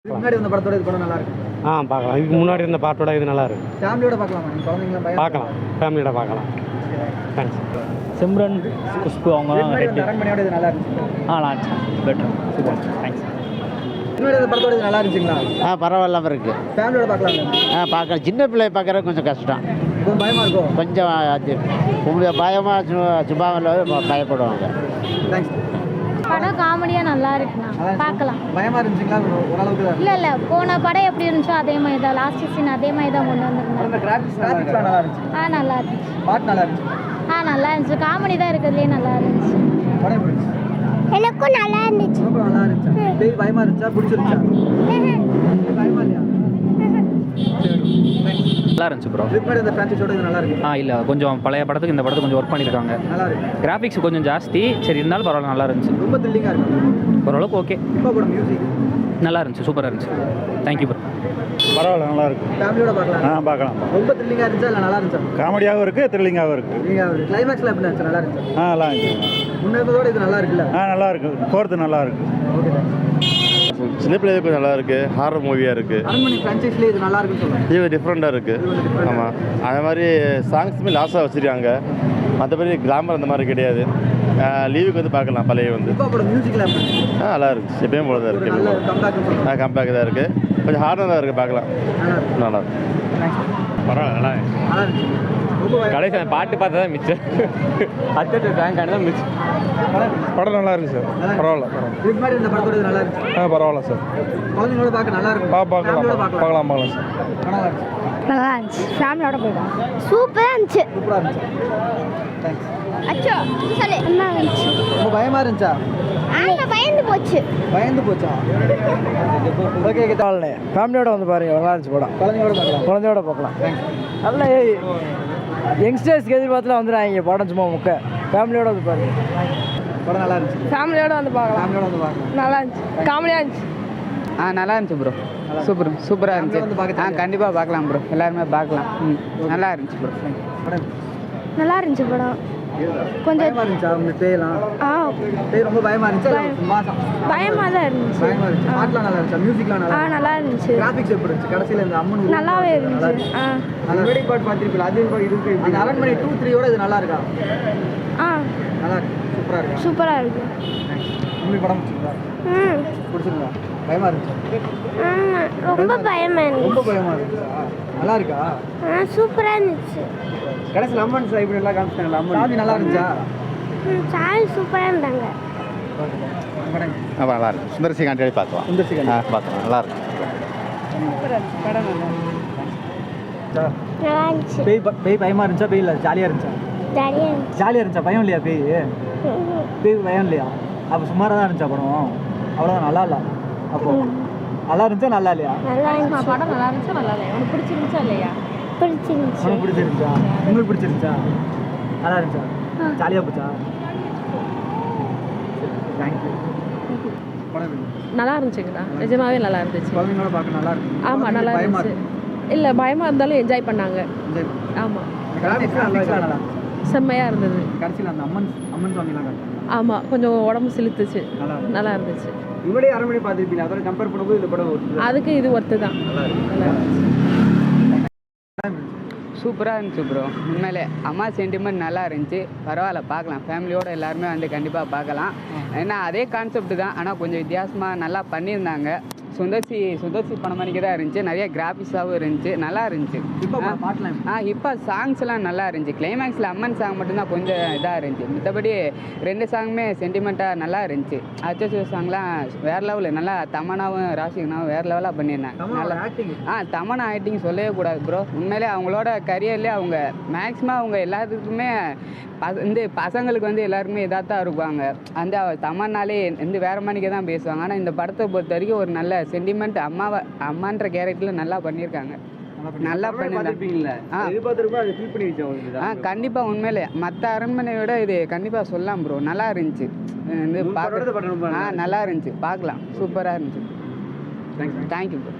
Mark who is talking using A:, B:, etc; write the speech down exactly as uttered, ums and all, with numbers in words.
A: முன்னாடி இந்த படத்தோட இது படம் நல்லா இருக்கு.
B: ஆ பார்க்கலாம். இதுக்கு முன்னாடி இருந்த பாட்டோட இது நல்லா இருக்கு.
A: ஃபேமிலியோட பார்க்கலாமா? நீங்க குழந்தைங்கள பயம்
B: பார்க்கலாம். ஃபேமிலியோட பார்க்கலாம். தேங்க்ஸ்.
C: சிம்ரன் குஷ்பு அவங்க
A: அரண்மனையோட இது நல்லா இருந்துச்சு.
C: ஆ நல்லா இருந்துச்சு. பெட்டர். சூப்பர். தேங்க்ஸ்.
A: முன்னாடி இந்த படத்தோட இது நல்லா இருந்துச்சுங்களா?
D: ஆ பரவாயில்லாம இருக்கு.
A: ஃபேமிலியோட பார்க்கலாம்.
D: ஆ பார்க்கலாம். சின்ன பிள்ளை பார்க்குறது கொஞ்சம் கஷ்டம்.
A: கொஞ்சம் பயமா இருக்கும்.
D: கொஞ்சம் அது உங்களுக்கு பயமாக சுபாவில் பயப்படுவாங்க.
A: தேங்க்ஸ்.
E: படம் காமெடியா நல்லா இருக்குண்ணா, பார்க்கலாம்.
A: பயமா இருந்துச்சுங்களா? ஓரளவுக்கு தான்.
E: இல்ல இல்ல போன படம் எப்படி இருந்துச்சோ அதே மாதிரி தான், லாஸ்ட் சீன் அதே மாதிரி தான் கொண்டு வந்திருந்தாங்க.
A: அந்த கிராபிக்ஸ் கிராபிக்ஸ் நல்லா இருந்துச்சு.
E: ஆ நல்லா இருந்துச்சு.
A: பாட்டு நல்லா இருந்துச்சு.
E: ஆ நல்லா இருந்துச்சு. காமெடி தான் இருக்கிறதுலே நல்லா இருந்துச்சு.
A: படம் எப்படி இருந்துச்சு?
E: எனக்கும் நல்லா இருந்துச்சு.
A: ரொம்ப நல்லா இருந்துச்சு. பேய் பயமா இருந்துச்சா? பிடிச்சிருந்துச்சா? பயமா இல்லையா?
C: நல்லா இருந்துச்சு ப்ரோ.
A: இதுக்கு இந்த ஃபிரான்ச்சைஸோட இது நல்லா இருக்கு.
C: ஆ இல்லை கொஞ்சம் பழைய படத்துக்கு இந்த படத்துக்கு கொஞ்சம் ஒர்க் பண்ணியிருக்காங்க.
A: நல்லா இருக்கு.
C: கிராஃபிக்ஸ் கொஞ்சம் ஜாஸ்தி, சரி இருந்தாலும் பரவாயில்ல, நல்லா இருந்துச்சு.
A: ரொம்ப த்ரில்லிங்காக இருக்கு.
C: ஓரளவுக்கு ஓகே.
A: இப்போ கூட மியூசிக்
C: நல்லா இருந்துச்சு, சூப்பராக இருந்துச்சு. Thank you bro.
B: பரவாயில்ல, நல்லா இருக்கு.
A: ஃபேமிலியோட பார்க்கலாம்.
B: ஆ பார்க்கலாம்.
A: ரொம்ப த்ரில்லிங்காக இருந்துச்சா இல்லை நல்லா இருந்துச்சா?
B: காமெடியாகவும் இருக்கு, த்ரில்லிங்காகவும் இருக்கு.
A: நீங்கள் கிளைமேக்ஸில் எப்படி இருந்துச்சு? நல்லா இருந்துச்சு.
B: ஆ நல்லா இருந்துச்சு.
A: முன்னேறதோட இது நல்லா இருக்குல்ல?
B: ஆ நல்லா இருக்கு. ஃபோர்த்து நல்லா இருக்கு.
A: ஓகே.
F: சின்ன பிள்ளைகளுக்கு நல்லா இருக்கு. ஹாரர் மூவியாக இருக்கு.
A: அரண்மனை ஃப்ரான்ச்சைஸ்லேயே இது நல்லா இருக்குன்னு சொல்லுவாங்க.
F: இது டிஃப்ரெண்ட்டாக இருக்கு. ஆமாம், அதே மாதிரி சாங்ஸுமே லாஸ்ட்டாக வச்சுருக்காங்க. மற்றபடி கிளாமர் அந்த மாதிரி கிடையாது. லீவுக்கு வந்து பார்க்கலாம். பழைய வந்து
A: இப்போ கூட மியூசிக்கில்
F: ஆ நல்லா இருக்கு. எப்பயும் போல தான்
A: நல்ல
F: இருக்குது.
A: கம்பேக்
F: ஆ கம்பேக் தான் இருக்குது. கொஞ்சம் ஹார்டாக தான் இருக்குது. பார்க்கலாம். நல்லா இருக்கு.
B: பரவாயில்ல, நல்லா
A: நல்லா இருந்துச்சு. ரொம்ப
B: கடைசி பாட்டு பார்த்தா தான் மிச்சம். அச்சட்டு ரேங்க் ஆனது தான் மிச்சம். படம் நல்லா இருக்கு சார். பரவாயில்ல, பரவாயில்ல.
A: இதுக்கு முன்னாடி இந்த படத்தோட இது நல்லா இருந்துச்சு.
B: ஆ பரவாயில்ல சார்.
A: குழந்தைங்களோட பார்க்க நல்லா இருக்கும்.
B: பா பார்க்கலாம்
A: ஃபேமிலியோட
B: பார்க்கலாம் பார்க்கலாம் சார்.
A: நல்லா இருந்துச்சு.
E: நல்லா இருந்துச்சு. ஃபேமிலியோட போயிடும். சூப்பரா இருந்துச்சு.
A: சூப்பராக இருந்துச்சு. தேங்க்ஸ்.
E: அச்சோ சொல்லு. நல்லா இருந்துச்சு.
A: ரொம்ப பயமா இருந்துச்சா?
E: ஆமா பயந்து போச்சு.
A: பயந்து போச்சா? Okay okay.
G: ஃபேமிலியோட வந்து பாருங்க, நல்லா இருந்துச்சு படம்.
A: குழந்தைங்களோட பார்க்கலாம்.
G: குழந்தையோட பார்க்கலாம். நல்ல யங்ஸ்டர்ஸ்க்கு எதிர்பார்த்துலாம் வந்துடுறாங்க படம், சும்மா முக்க. ஃபேமிலியோட வந்து பாருங்க,
A: படம் நல்லா இருந்துச்சு.
H: ஃபேமிலியோட வந்து பார்க்கலாம்.
A: ஃபேமிலியோட வந்து பார்க்கலாம்.
H: நல்லா இருந்துச்சு. காமெடியாக இருந்துச்சு.
I: ஆ நல்லா இருந்துச்சு ப்ரோ. சூப்பர் சூப்பராக இருந்துச்சு. ஆ கண்டிப்பாக பார்க்கலாம் ப்ரோ. எல்லாருமே பார்க்கலாம். ம் நல்லா இருந்துச்சு ப்ரோ.
A: படம்
E: நல்லா இருந்துச்சு படம். கொஞ்சம்
A: பயமா இருந்துச்சா? உங்க பேயெல்லாம்
E: ஆ
A: பேய் ரொம்ப பயமா இருந்துச்சா? மாசம்
E: பயமா தான் இருந்துச்சு.
A: பயமா இருந்துச்சு. பாட்டுலாம் நல்லா இருந்துச்சா? மியூசிக்லாம் நல்லா
E: ஆ
A: இருந்துச்சு.
E: நல்லா இருந்துச்சு.
A: கிராபிக்ஸ் எப்படி இருந்துச்சு? கடைசியில் இந்த அம்மன்
E: நல்லாவே இருந்துச்சு. ஆ
A: முன்னாடி பாட்டு பார்த்துருப்பீங்க. அது இதுக்கு அந்த அரண்மனை டூ த்ரீயோட இது நல்லா இருக்கா?
E: ஆ
A: நல்லா இருக்கு. சூப்பராக இருக்கா?
E: சூப்பராக இருக்கு.
A: உங்களுக்கு படம் பிடிச்சிருக்கா?
E: ம்
A: பிடிச்சிருக்கா? பயமா இருந்துச்சு.
E: ரொம்ப பயமா
A: ரொம்ப பயமா இருந்துச்சா? நல்லா இருக்கா?
E: ஆ சூப்பராக இருந்துச்சு.
A: கடைசியில் அம்மன் சார் இப்படி எல்லாம் காமிச்சிட்டாங்களா? அம்மன் சாமி நல்லா இருந்துச்சா?
E: ம் சாமி சூப்பராக இருந்தாங்க.
A: படம்
F: ஆமாம் நல்லா இருக்கு. சுந்தரசி காண்டி பார்க்கலாம்.
A: சுந்தர்சி
F: ஆ பார்க்கலாம். நல்லா இருக்கு.
H: படம் நல்லா
E: நல்லா இருந்துச்சு.
A: பேய் ப- பேய் பயமா இருந்துச்சா? பேய் இல்லை ஜாலியாக இருந்துச்சா?
E: ஜாலியாக இருந்துச்சு.
A: ஜாலியாக இருந்துச்சா? பயம் இல்லையா? பேய் பேய் பயம் இல்லையா? அப்போ சுமாராக தான் இருந்துச்சா படம்? அவ்வளோதான், நல்லா இல்லை. அப்போ நல்லா இருந்துச்சா நல்லா இல்லையா?
E: நல்லா இருந்துச்சு.
H: படம் நல்லா இருந்துச்சா நல்லா இல்லையா? உனக்கு பிடிச்சிருந்துச்சா இல்லையா?
E: பிடிச்சிருந்துச்சு.
A: உனக்கு பிடிச்சிருந்துச்சா? உங்களுக்கு பிடிச்சிருந்துச்சா? நல்லா இருந்துச்சா? ஜாலியாக போச்சா? தேங்க்யூ. படம் எப்படி இருந்துச்சு?
H: நல்லா இருந்துச்சுங்கண்ணா, நிஜமாவே நல்லா இருந்துச்சு.
A: குழந்தைங்களோட பார்க்க நல்லா இருக்கு.
H: ஆமாம் நல்லா
A: பயமா
H: இருந்துச்சு.
A: இருக்கு.
H: இல்லை பயமாக இருந்தாலும் என்ஜாய் பண்ணாங்க.
A: என்ஜாய் பண்ணு.
H: ஆமாம்
A: கிராபிக்ஸ்லாம் நல்லா இருக்கா? நல்லா
H: செம்மையாக இருந்தது.
A: கடைசியில் அந்த அம்மன் அம்மன் சாமிலாம் காட்டுறாங்க.
H: ஆமாம் கொஞ்சம் உடம்பு சிலுத்துச்சு.
A: நல்லா இருக்கு.
H: நல்லா இருந்துச்சு.
A: இவரே அரண்மனை பார்த்துருப்பீங்க. அதோட கம்பேர் பண்ணும்போது இந்த படம் ஒரு
H: அதுக்கு இது ஒர்த்து தான்.
A: நல்லா இருக்கு.
H: நல்லா இருந்துச்சு.
I: சூப்பராக இருந்துச்சு ப்ரோ. உண்மையிலே அம்மா சென்டிமெண்ட் நல்லா இருந்துச்சு. பரவாயில்ல, பார்க்கலாம். ஃபேமிலியோடு எல்லாருமே வந்து கண்டிப்பாக பார்க்கலாம். ஏன்னா அதே கான்செப்ட் தான், ஆனால் கொஞ்சம் வித்தியாசமாக நல்லா பண்ணியிருந்தாங்க. சுந்தர்சி சுந்தர்சி படம் மணிக்கு தான் இருந்துச்சு. நிறைய கிராஃபிக்ஸாகவும் இருந்துச்சு. நல்லா இருந்துச்சு.
A: இப்போ பாட்டுலாம்
I: ஆ இப்போ சாங்ஸ்லாம் நல்லா இருந்துச்சு. கிளைமேக்ஸில் அம்மன் சாங் மட்டும்தான் கொஞ்சம் இதாக இருந்துச்சு. மற்றபடி ரெண்டு சாங்குமே சென்டிமெண்ட்டாக நல்லா இருந்துச்சு. அச்சோ சாங்லாம் வேறு லெவலில் நல்லா. தமனாவும் ராசிகனாவும் வேறு லெவலாக பண்ணியிருந்தாங்க. நல்லா
A: ஆக்டிங்.
I: ஆ தமனா ஆக்டிங் சொல்லவே கூடாது ப்ரோ. உண்மையிலே அவங்களோட கரியர்லேயே அவங்க மேக்ஸிமம் அவங்க எல்லாத்துக்குமே பச இந்த பசங்களுக்கு வந்து எல்லாருக்குமே இதாக தான் இருப்பாங்க. அந்த தமன்னாலே வந்து வேறு மணிக்கு தான் பேசுவாங்க. ஆனால் இந்த படத்தை பொறுத்த வரைக்கும் ஒரு நல்ல சென்டிமெண்ட் அம்மாவை அம்மான்ற கேரக்டரில் நல்லா பண்ணியிருக்காங்க. நல்லா பண்ணியிருந்தாங்க. ஆ கண்டிப்பாக உண்மையிலே மற்ற அரண்மனையை விட இது கண்டிப்பாக சொல்லலாம் ப்ரோ. நல்லா இருந்துச்சு. இது பார்க்க ஆ நல்லா இருந்துச்சு. பார்க்கலாம். சூப்பராக இருந்துச்சு. Thank you bro.